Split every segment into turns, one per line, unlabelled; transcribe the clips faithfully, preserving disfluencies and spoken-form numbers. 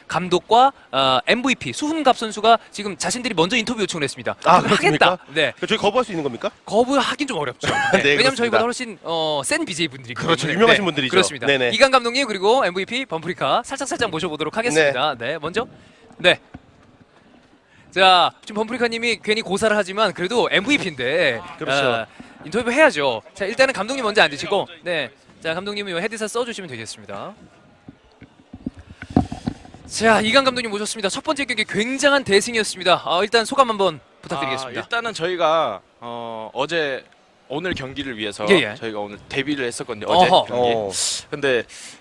감독과 어, 엠브이피 수훈갑 선수가 지금 자신들이 먼저 인터뷰 요청을 했습니다.
아,
하겠다.
그렇습니까?
네.
저희 거부할 수 있는 겁니까?
거부하긴 좀 어렵죠. 네.
네,
왜냐면
그렇습니다.
저희보다 훨씬 어, 센 비제이 분들이
그렇죠. 유명하신 분들이죠.
그렇습니다.
네네.
이강 감독님 그리고 엠브이피 범프리카 살짝 살짝 모셔보도록 하겠습니다. 네, 네 먼저 네. 자, 지금 범프리카님이 괜히 고사를 하지만 그래도 엠브이피인데
그렇죠.
인터뷰 해야죠. 자, 일단은 감독님 먼저 앉으시고, 네, 자 감독님이 요 헤드셋 써주시면 되겠습니다. 자, 이강 감독님 모셨습니다. 첫 번째 경기 굉장한 대승이었습니다. 아, 일단 소감 한번 부탁드리겠습니다.
아, 일단은 저희가 어, 어제 오늘 경기를 위해서
예, 예.
저희가 오늘 데뷔를 했었거든요. 어제
어허.
경기.
어.
근데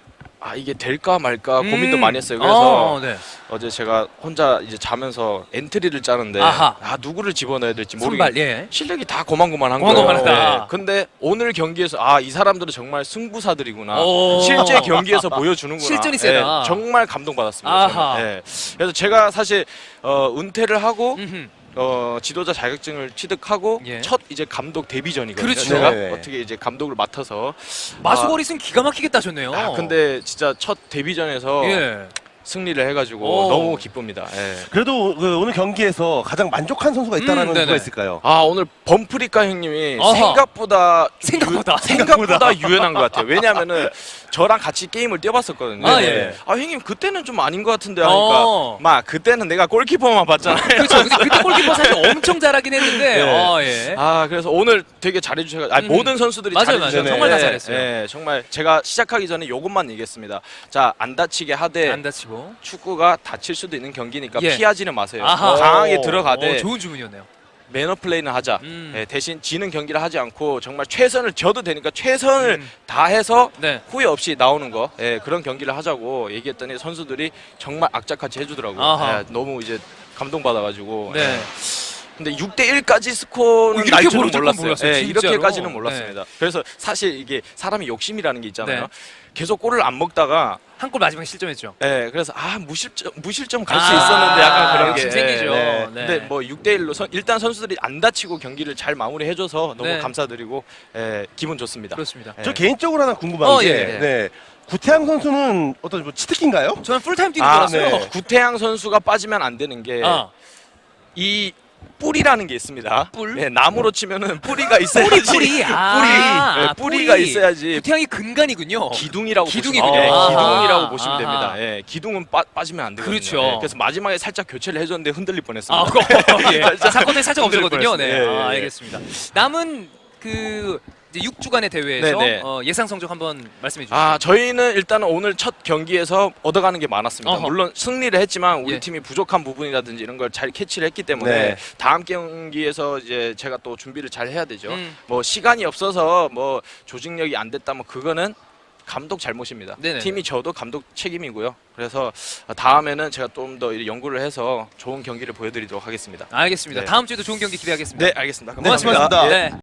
아 이게 될까 말까 고민도
음.
많이 했어요. 그래서
어, 네.
어제 제가 혼자 이제 자면서 엔트리를 짜는데
아하.
아 누구를 집어넣어야 될지
선발,
모르겠.
예.
실력이 다 고만고만한
고만고만하다.
거예요. 네. 근데 오늘 경기에서 아 이 사람들은 정말 승부사들이구나.
오.
실제 경기에서 보여주는구나.
실전이 세다.
네, 정말 감동받았습니다.
아하.
저는. 네. 그래서 제가 사실 어, 은퇴를 하고
음흠.
어, 지도자 자격증을 취득하고
예.
첫 이제 감독 데뷔전이거든요.
그렇죠.
제가
네.
어떻게 이제 감독을 맡아서
마수거리승 기가 막히게 따셨네요.
아, 근데 진짜 첫 데뷔전에서
예.
승리를 해가지고
오.
너무 기쁩니다. 예.
그래도 그 오늘 경기에서 가장 만족한 선수가 있다라면
음, 네네.
누가 있을까요?
아 오늘 범프리카 형님이
어허.
생각보다 좀
생각보다.
유, 생각보다 유연한 것 같아요. 왜냐하면은 저랑 같이 게임을 뛰어봤었거든요.
아,
네.
예.
아 형님 그때는 좀 아닌 것 같은데 하니까
어.
막 그때는 내가 골키퍼만 봤잖아요.
그렇죠. 근데 그때 골키퍼 사실 엄청 잘하긴 했는데,
네.
어, 예.
아 그래서 오늘 되게 잘해주셔서 아
음.
모든 선수들이
맞아요,
잘해주셔서
맞아요. 정말 다
네,
잘했어요.
네, 정말 제가 시작하기 전에 요것만 얘기했습니다. 자 안 다치게 하되
안 다치고.
축구가 다칠 수도 있는 경기니까
예.
피하지는 마세요.
아하.
강하게
오.
들어가되
어, 좋은 주문이었네요.
매너 플레이는 하자.
음.
예, 대신 지는 경기를 하지 않고 정말 최선을 져도 되니까 최선을
음.
다해서
네.
후회 없이 나오는 거 예, 그런 경기를 하자고 얘기했더니 선수들이 정말 악착같이 해주더라고요.
아하.
예, 너무 이제 감동받아가지고
네.
예. 근데 육 대 일까지 스코어는
어, 이렇게
날 줄은
벌어질 건
몰랐어요.
몰랐어요,
예,
진짜로.
이렇게까지는 몰랐습니다. 그래서 사실 이게 사람이 욕심이라는 게 있잖아요.
네.
계속 골을 안 먹다가
한 골 마지막에 실점했죠.
예, 그래서 아 무실점 무실점 갈 수
아,
있었는데 약간 그런
욕심
게
생기죠.
예,
네.
근데 뭐 육 대 일로 선, 일단 선수들이 안 다치고 경기를 잘 마무리해줘서 너무
네.
감사드리고 예, 기분 좋습니다.
그렇습니다.
예.
저 개인적으로 하나 궁금한
어,
게,
예, 예.
네. 구태양 선수는 어떤 뭐 치트키인가요?
저는 풀타임 뛰는
아,
줄 알았어요.
네.
구태양 선수가 빠지면 안 되는 게 이
아,
뿌리라는 게 있습니다.
뿔?
예, 나무로 치면은 뿌리가 있어야지.
뿌리, 뿌리. 아,
뿌리.
아,
예, 뿌리가
뿌리.
있어야지.
구태양이 근간이군요.
기둥이라고
기둥이군요.
보시면, 예,
아하.
기둥이라고 보시면
아하.
됩니다. 예, 기둥은 빠, 빠지면 안 되거든요.
그렇죠.
예, 그래서 마지막에 살짝 교체를 해줬는데 흔들릴 뻔했습니다.
아, 그거 예.
살짝
사건에 살짝
흔들릴
없었거든요. 네,
뻔했어요. 예,
아,
예, 예.
알겠습니다. 남은 그 이제 육 주간의 대회에서
네, 네.
어, 예상 성적 한번 말씀해 주시죠.
아 저희는 일단은 오늘 첫 경기에서 얻어가는 게 많았습니다.
어허.
물론 승리를 했지만 우리
예.
팀이 부족한 부분이라든지 이런 걸 잘 캐치를 했기 때문에
네.
다음 경기에서 이제 제가 또 준비를 잘 해야 되죠.
음.
뭐 시간이 없어서 뭐 조직력이 안 됐다면 그거는 감독 잘못입니다.
네네네.
팀이 저도 감독 책임이고요. 그래서 다음에는 제가 좀 더 연구를 해서 좋은 경기를 보여드리도록 하겠습니다.
알겠습니다.
네.
다음 주에도 좋은 경기 기대하겠습니다.
네, 알겠습니다.
고맙습니다.
고맙습니다.
네.